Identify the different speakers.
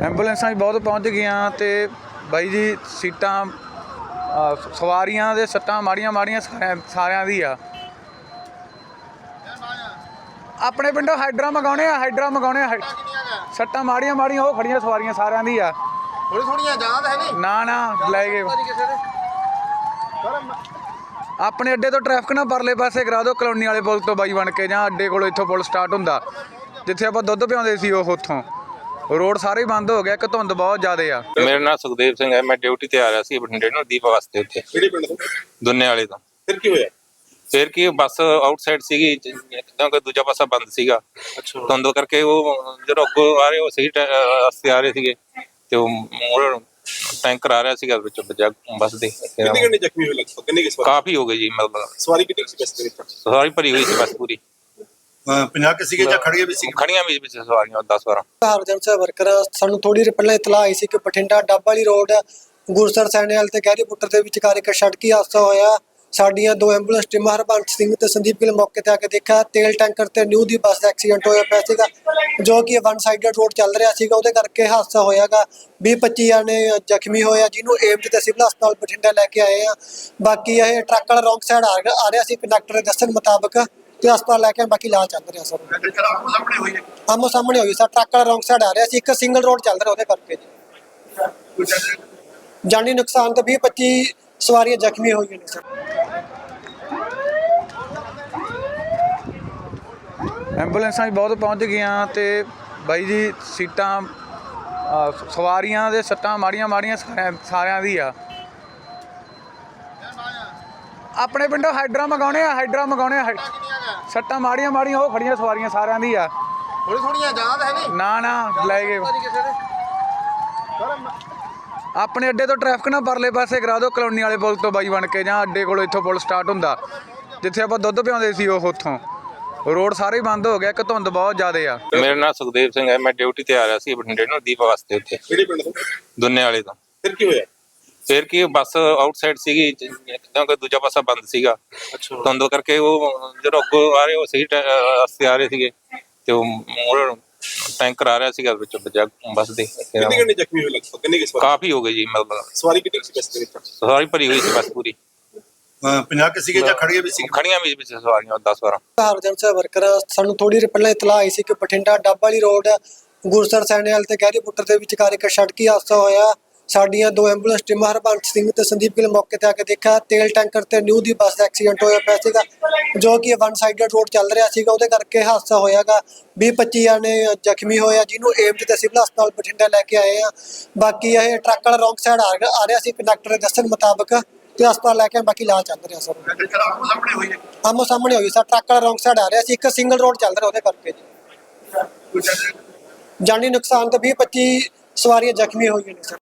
Speaker 1: ਐਂਬੂਲੈਂਸਾਂ ਵੀ ਬਹੁਤ ਪਹੁੰਚ ਗਈਆਂ ਤੇ ਬਾਈ ਜੀ ਸੀਟਾਂ ਸਵਾਰੀਆਂ ਦੇ ਸੱਟਾਂ ਮਾੜੀਆਂ ਸਾਰਿਆਂ ਦੀ ਆ। ਆਪਣੇ ਪਿੰਡੋਂ ਹਾਈਡਰਾ ਮੰਗਾਉਣੇ ਆ ਸੱਟਾਂ ਮਾੜੀਆਂ ਉਹ ਖੜੀਆਂ ਸਵਾਰੀਆਂ ਸਾਰਿਆਂ ਦੀ ਆ।
Speaker 2: ਥੋੜੀਆਂ ਯਾਦ ਹੈ ਨਹੀਂ
Speaker 1: ਨਾ ਲੈ ਗਏ ਆਪਣੇ ਅੱਡੇ ਤੋਂ ਟ੍ਰੈਫਿਕ ਨਾ ਪਰਲੇ ਪਾਸੇ ਕਰਾ ਦਿਓ ਕਲੋਨੀ ਵਾਲੇ ਪੁਲ ਤੋਂ ਬਾਈ ਬਣ ਕੇ ਜਾਂ ਅੱਡੇ ਕੋਲੋਂ ਇੱਥੋਂ ਪੁਲ ਸਟਾਰਟ ਹੁੰਦਾ ਜਿੱਥੇ ਆਪਾਂ ਦੁੱਧ ਪਿਆਉਂਦੇ ਸੀ ਉਹ ਉੱਥੋਂ ਰੋਡ ਸਾਰੇ ਬੰਦ ਹੋ ਗਿਆ ਕਿ ਧੁੰਦ ਬਹੁਤ ਜ਼ਿਆਦਾ ਆ।
Speaker 3: ਮੇਰਾ ਨਾਮ ਸੁਖਦੇਵ ਸਿੰਘ ਹੈ। ਮੈਂ ਡਿਊਟੀ ਤੇ ਆ ਰਿਹਾ ਸੀ ਬਠਿੰਡੇ ਨੂੰ ਦੀਪ ਵਾਸਤੇ ਉੱਥੇ।
Speaker 2: ਕਿਹੜੇ ਪਿੰਡ ਤੋਂ?
Speaker 3: ਦੁੰਨੇ ਵਾਲੇ ਤੋਂ।
Speaker 2: ਫਿਰ ਕੀ ਹੋਇਆ?
Speaker 3: ਫਿਰ ਕੀ ਬੱਸ ਆਊਟਸਾਈਡ ਸੀਗੀ ਕਿਉਂਕਿ ਦੂਜਾ ਪਾਸਾ ਬੰਦ ਸੀਗਾ। ਧੁੰਦ ਕਰਕੇ ਉਹ ਜਦੋਂ ਅੱਗੋਂ ਆ ਰਹੇ ਉਹ ਸਹੀ ਰਸਤੇ ਆ ਰਹੇ ਸੀਗੇ ਤੇ ਉਹ ਟੈਂਕਰ ਆ ਰਿਹਾ ਸੀਗਾ ਵਿੱਚ ਵੱਜਾ ਬੱਸ ਦੇ।
Speaker 2: ਕਿੰਨੇ ਜ਼ਖਮੀ ਹੋਏ ਲਗਭਗ? ਕਿੰਨੇ ਕੀ ਸਵਾਰੀ?
Speaker 3: ਕਾਫੀ ਹੋ ਗਏ ਜੀ। ਮਤਲਬ
Speaker 2: ਸਵਾਰੀ ਕਿੰਨੀ ਸੀ ਬੱਸ ਦੇ ਵਿੱਚ?
Speaker 3: ਸਵਾਰੀ ਭਰੀ ਹੋਈ ਸੀ ਬੱਸ ਪੂਰੀ।
Speaker 2: 50 ਕੇ ਸੀਗੇ ਜਾਂ ਖੜੀਆਂ ਵੀ ਸੀ?
Speaker 3: ਖੜੀਆਂ ਵੀ ਵਿੱਚ ਸਵਾਰੀਆਂ 10-12।
Speaker 4: ਹਰਜਨ ਵਰਕਰ ਸਾਨੂੰ ਥੋੜੀ ਦੇਰ ਪਹਿਲਾਂ ਇਤਲਾਹ ਆਈ ਸੀ ਕਿ ਬਠਿੰਡਾ ਡੱਬ ਵਾਲੀ ਰੋਡ ਗੁਰਸਰ ਸੈਣੇਵਾਲ ਤੇ ਗਹਿਰੀ ਪੁੱਟਰ ਦੇ ਵਿਚਕਾਰ ਇੱਕ ਸੜਕੀ ਹਾਦਸਾ ਹੋਇਆ। ਸਾਡੀਆਂ ਦੋ ਐਂਬੂਲੈਂਸ ਟੀਮਾਂ ਹਰਬੰਸ ਸਿੰਘ ਤੇ ਸੰਦੀਪ ਗਿੱਲ ਮੌਕੇ ਤੇ ਆ ਕੇ ਦੇਖਿਆ ਤੇਲ ਟੈਂਕਰ ਤੇ ਨਿਊ ਦੀ ਬੱਸ ਦਾ ਐਕਸੀਡੈਂਟ ਹੋਇਆ ਪਿਆ ਸੀਗਾ ਜੋ ਕਿ ਵਨ ਸਾਈਡਡ ਰੋਡ ਚੱਲ ਰਿਹਾ ਸੀਗਾ। ਉਹਦੇ ਕਰਕੇ ਹਾਦਸਾ ਹੋਇਆਗਾ। 20-25 ਜਣੇ ਜ਼ਖਮੀ ਹੋਏ ਆ ਜਿਹਨੂੰ ਏਮਜ਼ ਤੇ ਸਿਵਲ ਹਸਪਤਾਲ ਬਠਿੰਡਾ ਲੈ ਕੇ ਆਏ ਆ। ਬਾਕੀ ਇਹ ਟਰੱਕ ਵਾਲਾ ਰੌਂਗ ਸਾਈਡ ਆ ਰਿਹਾ ਸੀ ਕੰਡਕਟਰ ਦੇ ਦੱਸਣ ਮੁਤਾਬਕ ਤੇ ਹਸਪਤਾਲ ਲੈ ਕੇ ਬਾਕੀ ਇਲਾਜ ਚੱਲ ਰਿਹਾ ਸਰ। ਆਮੋ ਸਾਹਮਣੇ ਹੋਈ ਸਰ। ਟਰੱਕ ਵਾਲਾ ਰੌਂਗ ਸਾਈਡ ਆ ਰਿਹਾ ਸੀ। ਇੱਕ ਸਿੰਗਲ ਰੋਡ ਚੱਲ ਰਿਹਾ ਉਹਦੇ ਕਰਕੇ ਜੀ ਜਾਨੀ ਨੁਕਸਾਨ ਤੇ 20-25 ਸਵਾਰੀਆਂ ਜ਼ਖਮੀ ਹੋਈਆਂ ਨੇ ਸਰ।
Speaker 1: ਐਂਬੂਲੈਂਸਾਂ ਵੀ ਬਹੁਤ ਪਹੁੰਚ ਗਈਆਂ ਤੇ ਬਾਈ ਜੀ ਸੀਟਾਂ ਸਵਾਰੀਆਂ ਦੇ ਸੱਟਾਂ ਮਾੜੀਆਂ ਸਾਰਿਆਂ ਦੀ ਆ। ਆਪਣੇ ਪਿੰਡੋਂ ਹਾਈਡਰਾ ਮੰਗਾਉਣੇ ਆ ਸੱਟਾਂ ਮਾੜੀਆਂ ਉਹ ਖੜੀਆਂ ਸਵਾਰੀਆਂ ਸਾਰਿਆਂ ਦੀ ਆ।
Speaker 2: ਥੋੜੀਆਂ ਯਾਦ ਹੈ ਨਹੀਂ
Speaker 1: ਨਾ ਲੈ ਗਏ ਆਪਣੇ ਅੱਡੇ ਤੋਂ ਟ੍ਰੈਫਿਕ ਨਾ ਪਰਲੇ ਪਾਸੇ ਕਰਾ ਦਿਓ ਕਲੋਨੀ ਵਾਲੇ ਪੁਲ ਤੋਂ ਬਾਈ ਬਣ ਕੇ ਜਾਂ ਅੱਡੇ ਕੋਲੋਂ ਇੱਥੋਂ ਪੁਲ ਸਟਾਰਟ ਹੁੰਦਾ ਜਿੱਥੇ ਆਪਾਂ ਦੁੱਧ ਪਿਆਉਂਦੇ ਸੀ ਉਹ ਉੱਥੋਂ ਰੋਡ ਸਾਰੇ ਬੰਦ ਹੋ ਗਿਆ ਕਿ ਧੁੰਦ ਬਹੁਤ ਜ਼ਿਆਦਾ ਆ।
Speaker 3: ਮੇਰਾ ਨਾਮ ਸੁਖਦੇਵ ਸਿੰਘ ਹੈ। ਮੈਂ ਡਿਊਟੀ ਤੇ ਆ ਰਿਹਾ ਸੀ ਬਠਿੰਡੇ ਨੂੰ ਦੀਪ ਵਾਸਤੇ ਉੱਥੇ।
Speaker 2: ਕਿਹੜੇ ਪਿੰਡ ਤੋਂ?
Speaker 3: ਦੁੰਨੇ ਵਾਲੇ ਤੋਂ।
Speaker 2: ਫਿਰ ਕੀ ਹੋਇਆ?
Speaker 3: ਫਿਰ ਕੀ ਬੱਸ ਆਊਟਸਾਈਡ ਸੀਗੀ ਕਿਉਂਕਿ ਦੂਜਾ ਪਾਸਾ ਬੰਦ ਸੀਗਾ। ਧੁੰਦ ਕਰਕੇ ਉਹ ਜਦੋਂ ਅੱਗੋਂ ਆ ਰਹੇ ਉਹ ਸਹੀ ਰਸਤੇ ਆ ਰਹੇ ਸੀਗੇ ਤੇ ਉਹ ਟੈਂਕਰ ਆ ਰਿਹਾ ਸੀਗਾ ਵਿੱਚ ਵੱਜਾ ਬੱਸ ਦੇ।
Speaker 2: ਕਿੰਨੇ ਜ਼ਖਮੀ ਹੋਏ ਲਗਭਗ? ਕਿੰਨੇ ਕੀ ਸਵਾਰੀ?
Speaker 3: ਕਾਫੀ ਹੋ ਗਏ ਜੀ। ਮਤਲਬ
Speaker 2: ਸਵਾਰੀ ਕਿੰਨੀ ਸੀ ਬੱਸ ਦੇ ਵਿੱਚ?
Speaker 3: ਸਵਾਰੀ ਭਰੀ ਹੋਈ ਸੀ ਬੱਸ ਪੂਰੀ।
Speaker 2: 50 ਕੇ ਸੀਗੇ ਜਾਂ ਖੜੀਆਂ ਵੀ ਸੀ?
Speaker 3: ਖੜੀਆਂ ਵੀ ਵਿੱਚ ਸਵਾਰੀਆਂ 10-12।
Speaker 4: ਹਰਜਨ ਵਰਕਰ ਸਾਨੂੰ ਥੋੜੀ ਦੇਰ ਪਹਿਲਾਂ ਇਤਲਾਹ ਆਈ ਸੀ ਕਿ ਬਠਿੰਡਾ ਡੱਬ ਵਾਲੀ ਰੋਡ ਗੁਰਸਰ ਸੈਣੇਵਾਲ ਤੇ ਗਹਿਰੀ ਪੁੱਟਰ ਦੇ ਵਿਚਕਾਰ ਇੱਕ ਸੜਕੀ ਹਾਦਸਾ ਹੋਇਆ। ਸਾਡੀਆਂ ਦੋ ਐਂਬੂਲੈਂਸ ਟੀਮਾਂ ਹਰਬੰਸ ਸਿੰਘ ਤੇ ਸੰਦੀਪ ਗਿੱਲ ਮੌਕੇ ਤੇ ਆ ਕੇ ਦੇਖਿਆ ਤੇਲ ਟੈਂਕਰ ਤੇ ਨਿਊ ਦੀ ਬੱਸ ਦਾ ਐਕਸੀਡੈਂਟ ਹੋਇਆ ਪਿਆ ਸੀਗਾ ਜੋ ਕਿ ਵਨ ਸਾਈਡਡ ਰੋਡ ਚੱਲ ਰਿਹਾ ਸੀਗਾ। ਉਹਦੇ ਕਰਕੇ ਹਾਦਸਾ ਹੋਇਆਗਾ। 20-25 ਜਣੇ ਜ਼ਖਮੀ ਹੋਏ ਆ ਜਿਹਨੂੰ ਏਮਜ਼ ਤੇ ਸਿਵਲ ਹਸਪਤਾਲ ਬਠਿੰਡਾ ਲੈ ਕੇ ਆਏ ਆ। ਬਾਕੀ ਇਹ ਟਰੱਕ ਵਾਲਾ ਰੌਂਗ ਸਾਈਡ ਆ ਰਿਹਾ ਸੀ ਕੰਡਕਟਰ ਦੇ ਦੱਸਣ ਮੁਤਾਬਕ ਤੇ ਹਸਪਤਾਲ ਲੈ ਕੇ ਬਾਕੀ ਇਲਾਜ ਚੱਲ ਰਿਹਾ ਸਰ। ਆਮੋ ਸਾਹਮਣੇ ਹੋਈ ਸਰ। ਟਰੱਕ ਵਾਲਾ ਰੌਂਗ ਸਾਈਡ ਆ ਰਿਹਾ ਸੀ। ਇੱਕ ਸਿੰਗਲ ਰੋਡ ਚੱਲ ਰਿਹਾ ਉਹਦੇ ਕਰਕੇ ਜੀ ਜਾਨੀ ਨੁਕਸਾਨ ਤੇ 20-25 ਸਵਾਰੀਆਂ ਜ਼ਖਮੀ ਹੋਈਆਂ ਨੇ ਸਰ।